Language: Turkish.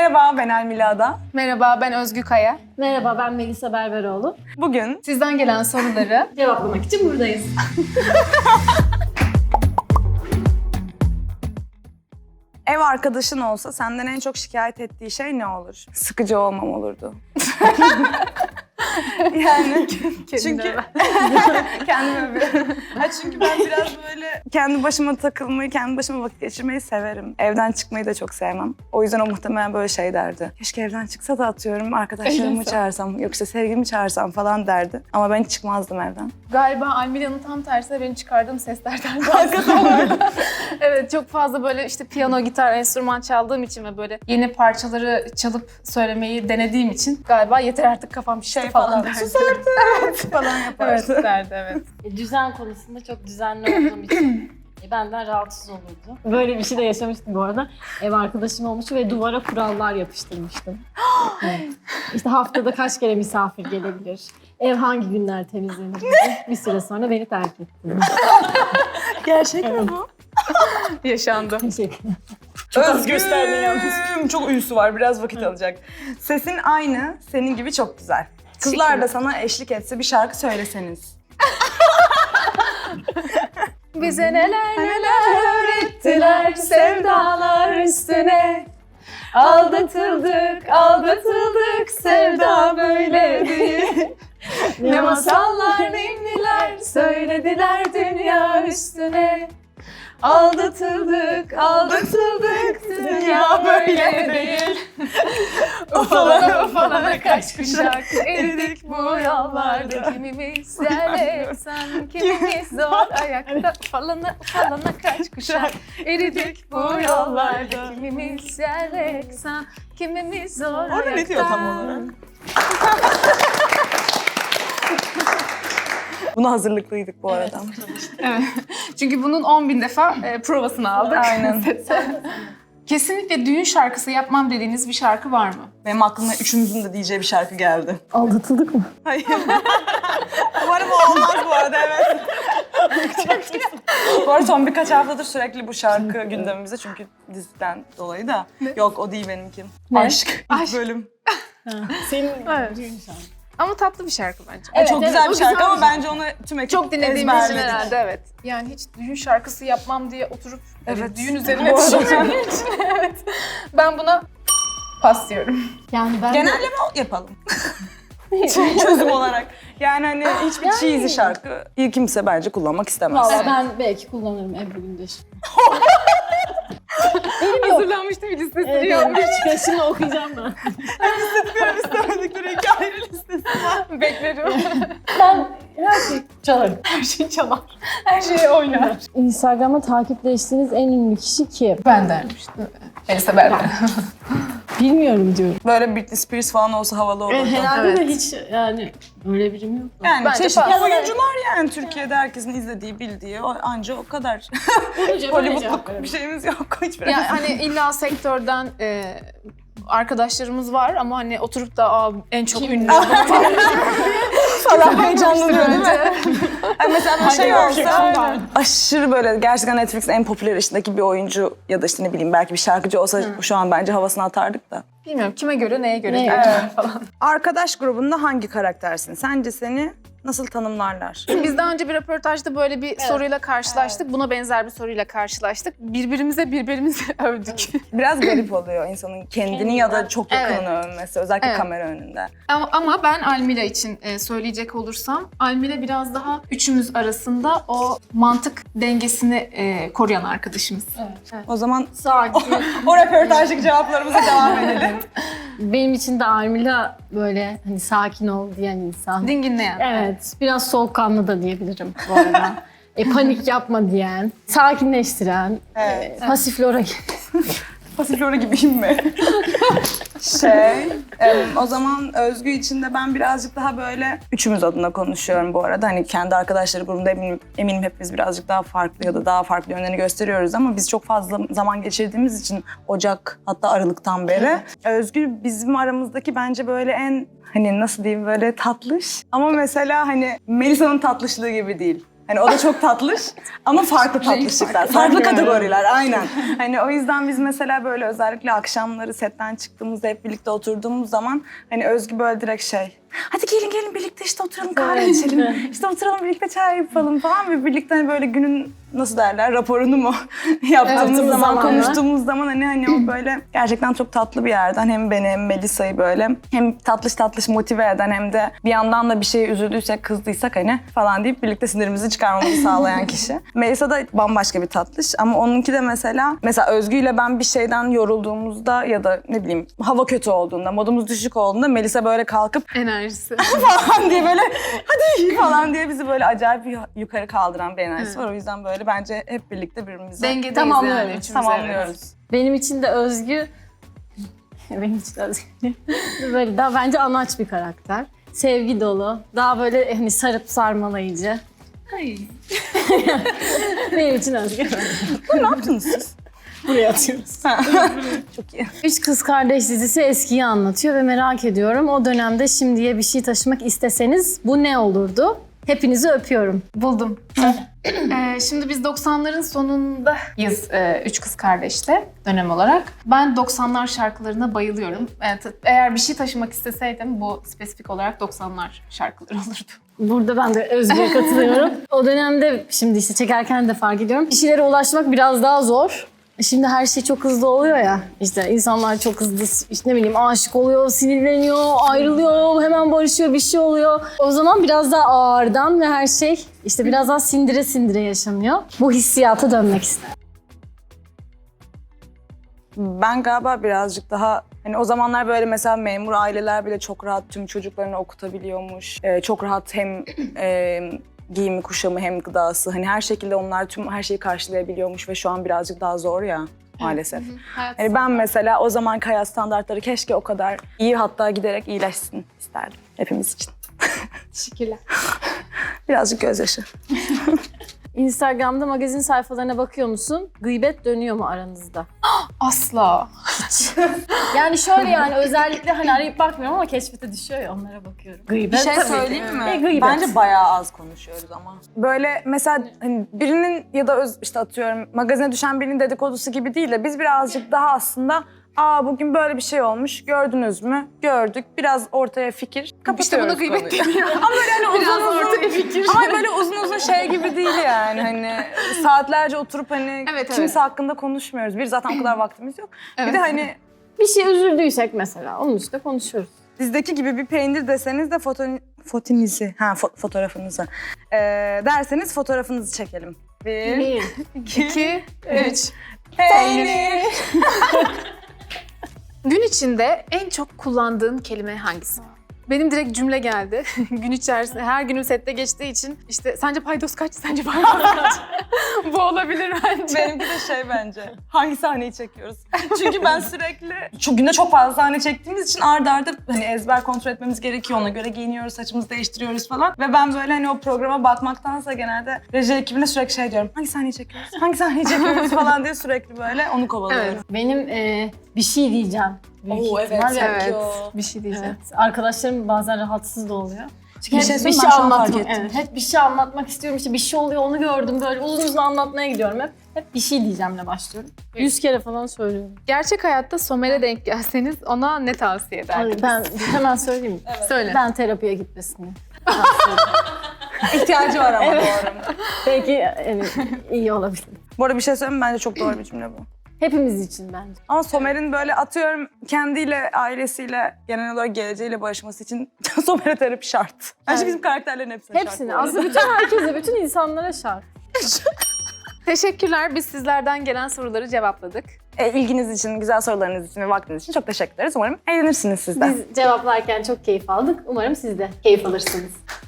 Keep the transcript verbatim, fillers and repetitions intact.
Merhaba, ben Almila Ada. Merhaba, ben Özgü Kaya. Merhaba, ben Melisa Berberoğlu. Bugün Sizden gelen soruları Cevaplamak için buradayız. ev arkadaşın olsa senden en çok şikayet ettiği şey ne olur? Sıkıcı olmam olurdu. Yani çünkü kendime bir. Ha çünkü ben biraz böyle kendi başıma takılmayı, kendi başıma vakit geçirmeyi severim. Evden çıkmayı da çok sevmem. O yüzden o muhtemelen böyle şey derdi. Keşke evden çıksa da atıyorum arkadaşlarımı çağırsam, yoksa sevgilimi çağırsam falan derdi. Ama ben hiç çıkmazdım evden. galiba Almila'nın tam tersine benim çıkardığım seslerden bahsediyorum. Evet, çok fazla böyle işte piyano, gitar, enstrüman çaldığım için ve böyle yeni parçaları çalıp söylemeyi denediğim için galiba yeter artık kafam şişti Şey falan falan, derdi. sus artık falan yaparsın. Evet derdi, evet. E, Düzen konusunda çok düzenli olduğum için e, benden rahatsız olurdu. Böyle bir şey de yaşamıştım bu arada. Ev arkadaşım olmuştu ve duvara kurallar yapıştırmıştım. Evet. İşte haftada kaç kere misafir gelebilir? Ev hangi günler temizlenir? Bir süre sonra beni terk etti. Gerçek mi bu? Yaşandı. Teşekkür ederim. Çok az gösterdin yalnız. Çok uyusu var, biraz vakit alacak. Sesin aynı, senin gibi çok güzel. Kızlar da sana eşlik etse bir şarkı söyleseniz. Bize neler neler öğrettiler sevdalar üstüne. Aldatıldık, aldatıldık, sevda böyle değil. Ne masallar, ninniler söylediler dünya üstüne. Aldatıldık, aldatıldık, dünya böyle değil. Ufalana ufalana kaç kuşak eridik bu yollarda. Kimimiz yerle sen, kimimiz zor ayakta. Ufalana ufalana kaç kuşak eridik bu yollarda. Kimimiz yerle sen, kimimiz zor ayakta. Orada ne diyor tam olarak? Buna hazırlıklıydık bu arada. Evet. Çünkü bunun on bin defa e, provasını aldık. Aynen. Kesinlikle düğün şarkısı yapmam dediğiniz bir şarkı var mı? Benim aklıma üçümüzün de diyeceği bir şarkı geldi. Aldatıldık mı? Hayır. Umarım o olmaz bu arada, evet. Bu arada son birkaç haftadır sürekli bu şarkı gündemimizde çünkü diziden dolayı da. Ne? Yok, o değil benimki. Ne? Aşk. İlk Aşk. bölüm. Senin Evet. düğün şarkı. Ama tatlı bir şarkı bence. Evet, çok evet, güzel o bir şarkı güzel ama bir bence onu tüm ekip Çok dinlediğimiz için ezberledik. herhalde, evet. Yani hiç düğün şarkısı yapmam diye oturup Evet. evet. düğün üzerine Bu arada- düşünmediğim için evet. Ben buna pas diyorum. Yani ben Genelleme yapalım. Çözüm olarak. Yani hani hiçbir Yani- cheesy şarkı ilk kimse bence kullanmak istemez. Valla Evet. ben belki kullanırım Ebru Gündeş. Hazırlanmıştım, bir listesini Evet, yapmış. evet. Şimdi okuyacağım ben. İstemedikleri iki ayrı listesi. Beklerim. Ben her şeyi çalarım. Her şeyi çalar. Her şeyi oynar. Instagram'da takipleştiğiniz en ünlü kişi kim? Ben dermiştim. Elisa Berber. Bilmiyorum diyorum. Böyle Britney Spears falan olsa havalı olurdu. Herhalde Evet. de hiç yani öyle birim yok. Yani Bence çeşitli fazla. oyuncular yani Türkiye'de herkesin izlediği, bildiği o, anca o kadar. Hollywooodluk bir şeyimiz yok hiçbir. Yani hani illa sektörden e, arkadaşlarımız var ama hani oturup da Aa, en çok ünlü falan heyecanlanıyor değil mi? bence. Yani mesela bir şey Hangi olsa erkek var? aşırı böyle gerçekten Netflix'in en popüler işindeki bir oyuncu ya da işte ne bileyim belki bir şarkıcı olsa şu an bence havasını atardık da. Bilmiyorum kime göre, neye göre Neye diye göre? falan. Arkadaş grubunda hangi karaktersin? Sence seni nasıl tanımlarlar? Biz daha önce bir röportajda böyle bir soruyla karşılaştık. Buna benzer bir soruyla karşılaştık. Birbirimize birbirimizi övdük. Biraz garip oluyor insanın kendini ya da çok yakınını Evet. övmesi, özellikle Evet. kamera önünde. Ama, ama ben Almila için e, söyleyecek olursam, Almila biraz daha üçümüz arasında o mantık dengesini e, koruyan arkadaşımız. Evet. O zaman Sakin. o röportajlık cevaplarımıza devam edelim. Benim için de Armila böyle hani sakin ol diyen insan. Dinginleyen. Evet, biraz soğukkanlı da diyebilirim bu arada. e, panik yapma diyen, sakinleştiren, Evet. e, pasiflora gibi. Pasiflora gibiyim mi? şey, em, o zaman Özgü için de ben birazcık daha böyle üçümüz adına konuşuyorum bu arada. Hani kendi arkadaşları grubunda eminim, eminim hepimiz birazcık daha farklı ya da daha farklı yönlerini gösteriyoruz ama biz çok fazla zaman geçirdiğimiz için Ocak hatta Aralık'tan beri. Özgü bizim aramızdaki bence böyle en hani nasıl diyeyim böyle tatlış ama mesela hani Melisa'nın tatlışlığı gibi değil. Hani o da çok tatlış ama farklı tatlışlıklar, farklı kategoriler aynen. Hani o yüzden biz mesela böyle özellikle akşamları setten çıktığımızda hep birlikte oturduğumuz zaman hani Özgü böyle direkt şey, hadi gelin gelin birlikte işte oturalım kahve içelim, işte oturalım birlikte çay yapalım falan ve birlikte hani böyle günün nasıl derler raporunu mu yaptığımız Evet, zaman, zamanla. konuştuğumuz zaman hani hani o böyle gerçekten çok tatlı bir yerden hem beni hem Melisa'yı böyle hem tatlış tatlış motive eden hem de bir yandan da bir şeye üzüldüysek, kızdıysak hani falan deyip birlikte sinirimizi çıkarmamızı sağlayan kişi. Melisa da bambaşka bir tatlış ama onunki de mesela mesela Özgü ile ben bir şeyden yorulduğumuzda ya da ne bileyim hava kötü olduğunda, modumuz düşük olduğunda Melisa böyle kalkıp Enerjisi. falan diye böyle hadi falan diye bizi böyle acayip bir yukarı kaldıran bir enerjisi var. O yüzden böyle bence hep birlikte birbirimize Dengedeyiz Tamamlıyoruz, yani. üçümüz, tamamlıyoruz. evet. Benim için de Özgü, benim için de Özgü böyle daha bence anaç bir karakter. Sevgi dolu, daha böyle hani sarıp sarmalayıcı. Ay. Benim için Özgü. Ne yaptınız siz? Buraya atıyoruz. Çok iyi. Üç Kız Kardeş dizisi eskiyi anlatıyor ve merak ediyorum o dönemde şimdiye bir şey taşımak isteseniz bu ne olurdu? Hepinizi öpüyorum. Buldum. Ee, şimdi biz doksanların sonundayız e, Üç Kız Kardeş'te dönem olarak. Ben doksanlar şarkılarına bayılıyorum. Evet, eğer bir şey taşımak isteseydim bu spesifik olarak doksanlar şarkıları olurdu. Burada ben de Özgür'e katılıyorum. O dönemde şimdi işte çekerken de fark ediyorum. Kişilere ulaşmak biraz daha zor. Şimdi her şey çok hızlı oluyor ya. İşte insanlar çok hızlı işte ne bileyim aşık oluyor, sinirleniyor, ayrılıyor, hemen barışıyor, bir şey oluyor. O zaman biraz daha ağırdan ve her şey işte biraz daha sindire sindire yaşanıyor. Bu hissiyata dönmek istedim. Ben galiba birazcık daha hani o zamanlar böyle mesela memur aileler bile çok rahat tüm çocuklarını okutabiliyormuş. Ee, çok rahat hem e, giyimi, kuşamı hem gıdası. Hani her şekilde onlar tüm her şeyi karşılayabiliyormuş ve şu an birazcık daha zor ya maalesef. Hayat Hani ben mesela o zamanki hayat standartları keşke o kadar iyi hatta giderek iyileşsin isterdim hepimiz için. Teşekkürler. Birazcık gözyaşı. Instagram'da magazin sayfalarına bakıyor musun? Gıybet dönüyor mu aranızda? Asla. Yani şöyle yani özellikle hani arayıp bakmıyorum ama keşfete düşüyor ya onlara bakıyorum. Gıybet Bir şey tabii. söyleyeyim mi? E, gıybet. Bence bayağı az konuşuyoruz ama. Böyle mesela hani birinin ya da öz, işte atıyorum magazine düşen birinin dedikodusu gibi değil de biz birazcık daha aslında aa bugün böyle bir şey olmuş gördünüz mü? Gördük. Biraz ortaya fikir. Kapatıyoruz İşte buna gıybet konuyu. deniyor. Ama böyle hani uzun Biraz uzun. ortaya fikir. Ama böyle uzun uzun şey gibi değil yani hani saatlerce oturup hani Evet, kimse evet. hakkında konuşmuyoruz. Bir zaten o kadar vaktimiz yok. Bir Evet. de hani Bir şey üzüldüysek mesela onun üstüne konuşuyoruz. dizdeki gibi bir peynir deseniz de foto, fotinizi, ha fo- fotoğrafınızı ee, derseniz fotoğrafınızı çekelim. Bir, Bir. iki, İki, üç. peynir. Gün içinde en çok kullandığın kelime hangisi? Benim direkt cümle geldi. Gün içerisinde her günüm sette geçtiği için işte sence paydos kaç, sence paydos kaç? Bu olabilir bence. Benimki de şey bence, hangi sahneyi çekiyoruz? Çünkü ben sürekli, çok günde çok fazla sahne çektiğimiz için arda arda hani ezber kontrol etmemiz gerekiyor. Ona göre giyiniyoruz, saçımızı değiştiriyoruz falan. Ve ben böyle hani o programa bakmaktansa genelde reji ekibine sürekli şey diyorum. Hangi sahneyi çekiyoruz? Hangi sahneyi çekiyoruz falan diye sürekli böyle onu kovalıyorum. Evet. Benim e, bir şey diyeceğim. Büyük Oo, evet, ihtimal. evet. Evet, Yok. bir şey diyeceğim. Evet. Arkadaşlarım bazen rahatsız da oluyor. Çünkü Bir hep şey bir söyleyeyim, şey ben şu an fark anlatmak, ettim. evet, hep bir şey anlatmak istiyorum. İşte bir şey oluyor, onu gördüm böyle uzun uzun anlatmaya gidiyorum hep. Hep bir şey diyeceğimle başlıyorum. Yüz kere falan söylüyorum. Gerçek hayatta Somer'e denk gelseniz ona ne tavsiye ederdiniz? Ben hemen söyleyeyim mi? Söyle. Ben terapiye gitmesini. İhtiyacı var ama Evet. doğru. Belki yani, iyi olabilir. Bu arada bir şey söyleyeyim mi? Bence çok doğru bir cümle bu. Hepimiz için bence. Ama Somer'in böyle atıyorum kendiyle, ailesiyle, genel olarak geleceğiyle barışması için Somer'e terapi şart. Bence Evet. bizim karakterlerin hepsine şart. Hepsini. bu arada. Aslında bütün herkese, bütün insanlara şart. Teşekkürler. Biz sizlerden gelen soruları cevapladık. E, ilginiz için, güzel sorularınız için ve vaktiniz için çok teşekkür ederiz. Umarım eğlenirsiniz siz de. Biz cevaplarken çok keyif aldık. Umarım siz de keyif alırsınız.